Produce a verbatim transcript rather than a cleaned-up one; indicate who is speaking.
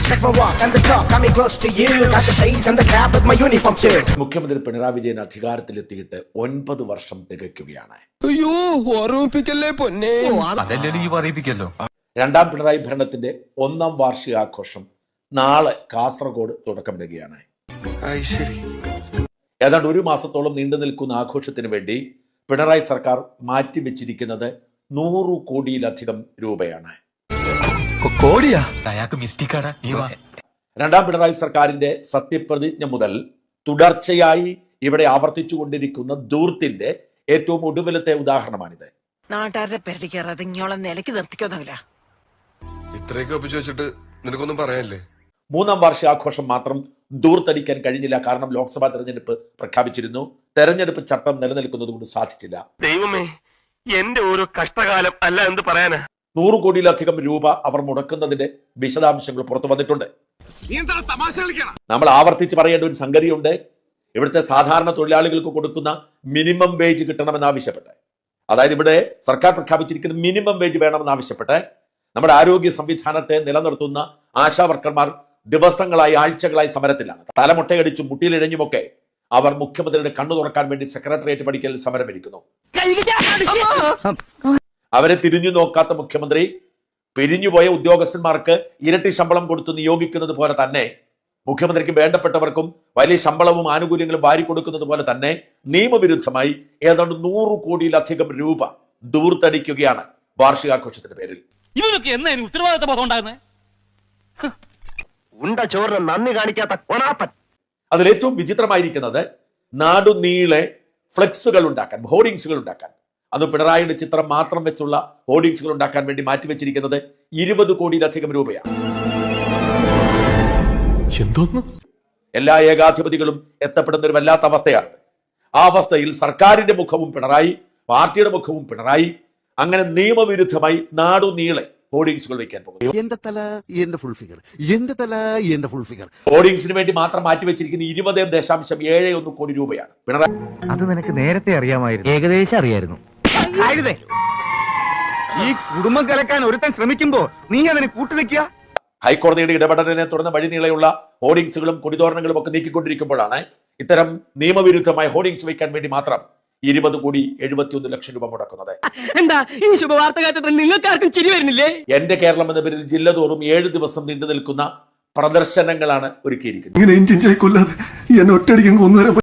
Speaker 1: Check my walk and the talk, got me close to you. Got the shades and the cap with my uniform too.
Speaker 2: മുഖ്യമന്ത്രി പിണറായി വിജയൻ അധികാരത്തിലെത്തിയിട്ട് ഒൻപത് വർഷം തികയ്ക്കുകയാണ്.
Speaker 3: അയ്യോ ഓർമ്മിപ്പിക്കല്ലേ പൊന്നെ.
Speaker 4: അതല്ലേ ഈ പറയിപ്പിക്കല്ലോ.
Speaker 2: രണ്ടാം പിണറായി ഭരണത്തിന്റെ ഒന്നാം വാർഷികാഘോഷം നാളെ കാസർഗോഡ് തുടക്കമിടുകയാണ്. ഏതാണ്ട് ഒരു മാസത്തോളം നീണ്ടു നിൽക്കുന്ന ആഘോഷത്തിന് വേണ്ടി പിണറായി സർക്കാർ മാറ്റിവെച്ചിരിക്കുന്നത് നൂറ് കോടിയിലധികം രൂപയാണ്. രണ്ടാം പിണറായി സർക്കാരിന്റെ സത്യപ്രതിജ്ഞ മുതൽ തുടർച്ചയായി ഇവിടെ ആവർത്തിച്ചുകൊണ്ടിരിക്കുന്ന ധൂർത്തിന്റെ ഏറ്റവും ഒടുവിലത്തെ ഉദാഹരണമാണിത്.
Speaker 5: നാട്ടുകാരുടെ പേരടി കയറാതെ ഇങ്ങോളം നിലയ്ക്ക് നിർത്തിക്കൊന്നുമില്ല.
Speaker 3: ഇത്രയൊക്കെ ഒപ്പിച്ചു വെച്ചിട്ട് നിനക്കൊന്നും പറയാനില്ലേ?
Speaker 2: മൂന്നാം വാർഷികാഘോഷം മാത്രം ദൂർത്തടിക്കാൻ കഴിഞ്ഞില്ല. കാരണം ലോക്സഭാ തെരഞ്ഞെടുപ്പ് പ്രഖ്യാപിച്ചിരുന്നു. തെരഞ്ഞെടുപ്പ് ചട്ടം നിലനിൽക്കുന്നത് കൊണ്ട് സാധിച്ചില്ല.
Speaker 6: ദൈവമേ, എന്റെ ഒരു കഷ്ടകാലം അല്ല എന്ത് പറയാനാ.
Speaker 2: നൂറ് കോടിയിലധികം രൂപ അവർ മുടക്കുന്നതിന്റെ വിശദാംശങ്ങൾ പുറത്തു വന്നിട്ടുണ്ട്. നമ്മൾ ആവർത്തിച്ച് പറയേണ്ട ഒരു സംഗതിയുണ്ട്. ഇവിടുത്തെ സാധാരണ തൊഴിലാളികൾക്ക് കൊടുക്കുന്ന മിനിമം വേജ് കിട്ടണമെന്ന് ആവശ്യപ്പെട്ട്, അതായത് ഇവിടെ സർക്കാർ പ്രഖ്യാപിച്ചിരിക്കുന്ന മിനിമം വേജ് വേണമെന്ന് ആവശ്യപ്പെട്ട് നമ്മുടെ ആരോഗ്യ സംവിധാനത്തെ നിലനിർത്തുന്ന ആശാ വർക്കർമാർ ദിവസങ്ങളായി ആഴ്ചകളായി സമരത്തിലാണ്. തലമുട്ടയടിച്ചും മുട്ടിയിലിഴഞ്ഞുമൊക്കെ അവർ മുഖ്യമന്ത്രിയുടെ കണ്ണു തുറക്കാൻ വേണ്ടി സെക്രട്ടേറിയറ്റ് പടിക്കൽ സമരമിരിക്കുന്നു. അവരെ തിരിഞ്ഞു നോക്കാത്ത മുഖ്യമന്ത്രി പിരിഞ്ഞുപോയ ഉദ്യോഗസ്ഥന്മാർക്ക് ഇരട്ടി ശമ്പളം കൊടുത്ത് നിയോഗിക്കുന്നത് പോലെ തന്നെ മുഖ്യമന്ത്രിക്ക് വേണ്ടപ്പെട്ടവർക്കും വലിയ ശമ്പളവും ആനുകൂല്യങ്ങളും വാരി കൊടുക്കുന്നത് പോലെ തന്നെ നിയമവിരുദ്ധമായി ഏതാണ്ട് നൂറ് കോടിയിലധികം രൂപ ദൂർത്തടിക്കുകയാണ് വാർഷികാഘോഷത്തിന്റെ പേരിൽ.
Speaker 7: ഇവരൊക്കെ എന്നാ ഉത്തരവാദിത്ത ബോധം ഉണ്ടാകുന്നത്?
Speaker 6: ഉണ്ട ചോറിന് നന്ദി കാണിക്കാത്ത കൊണാപ്പൻ.
Speaker 2: അതിലേറ്റവും വിചിത്രമായിരിക്കുന്നത് നാടുനീളെ ഫ്ലെക്സുകൾ ഉണ്ടാക്കാൻ, ഹോർഡിങ്സുകൾ ഉണ്ടാക്കാൻ, അത് പിണറായിയുടെ ചിത്രം മാത്രം വെച്ചുള്ള ഹോർഡിങ്സുകൾ ഉണ്ടാക്കാൻ വേണ്ടി മാറ്റിവെച്ചിരിക്കുന്നത് ഇരുപത് കോടിയിലധികം രൂപയാണ്.
Speaker 3: എന്തോന്ന്?
Speaker 2: എല്ലാ ഏകാധിപതികളും എത്തപ്പെടുന്ന ഒരു വല്ലാത്ത അവസ്ഥയാണ്. ആ അവസ്ഥയിൽ സർക്കാരിന്റെ മുഖവും പിണറായി, പാർട്ടിയുടെ മുഖവും പിണറായി, അങ്ങനെ നിയമവിരുദ്ധമായി നാടുനീളെ ഹോർഡിങ്സുകൾ വെക്കാൻ പോകും. ഹോർഡിങ്സിന് വേണ്ടി മാത്രം മാറ്റിവെച്ചിരിക്കുന്ന ഇരുപത് ദശാംശം ഏഴ് ഒന്ന് കോടി രൂപയാണ്. പിണറായി,
Speaker 8: അത് നിനക്ക് നേരത്തെ അറിയാമായിരുന്നു? ഏകദേശം അറിയായിരുന്നു.
Speaker 6: ഈ കുടുംബം കലക്കാൻ ഒരുത്തൻ ശ്രമിക്കുമ്പോ നീ അതിന് കൂട്ടുനിൽക്കുക.
Speaker 2: ഹൈക്കോടതിയുടെ ഇടപെടലിനെ തുടർന്ന് വഴിനീളെയുള്ള ഹോർഡിങ്സുകളും കൊടിതോരണങ്ങളും ഒക്കെ നീക്കിക്കൊണ്ടിരിക്കുമ്പോഴാണ് ഇത്തരം നിയമവിരുദ്ധമായ ഹോർഡിങ്സ് വയ്ക്കാൻ വേണ്ടി മാത്രം ഇരുപത് കോടി എഴുപത്തിയൊന്ന് ലക്ഷം രൂപ മുടക്കുന്നത്.
Speaker 7: എന്താ ഈ ശുഭവാർത്ത കേട്ടിട്ട് നിങ്ങൾക്കാർക്കും ചിരി വരുന്നില്ലേ?
Speaker 2: എന്റെ കേരളം എന്ന പേരിൽ ജില്ല തോറും ഏഴ് ദിവസം നീണ്ടു നിൽക്കുന്ന പ്രദർശനങ്ങളാണ് ഒരുക്കിയിരിക്കുന്നത്.
Speaker 3: ഇങ്ങനെ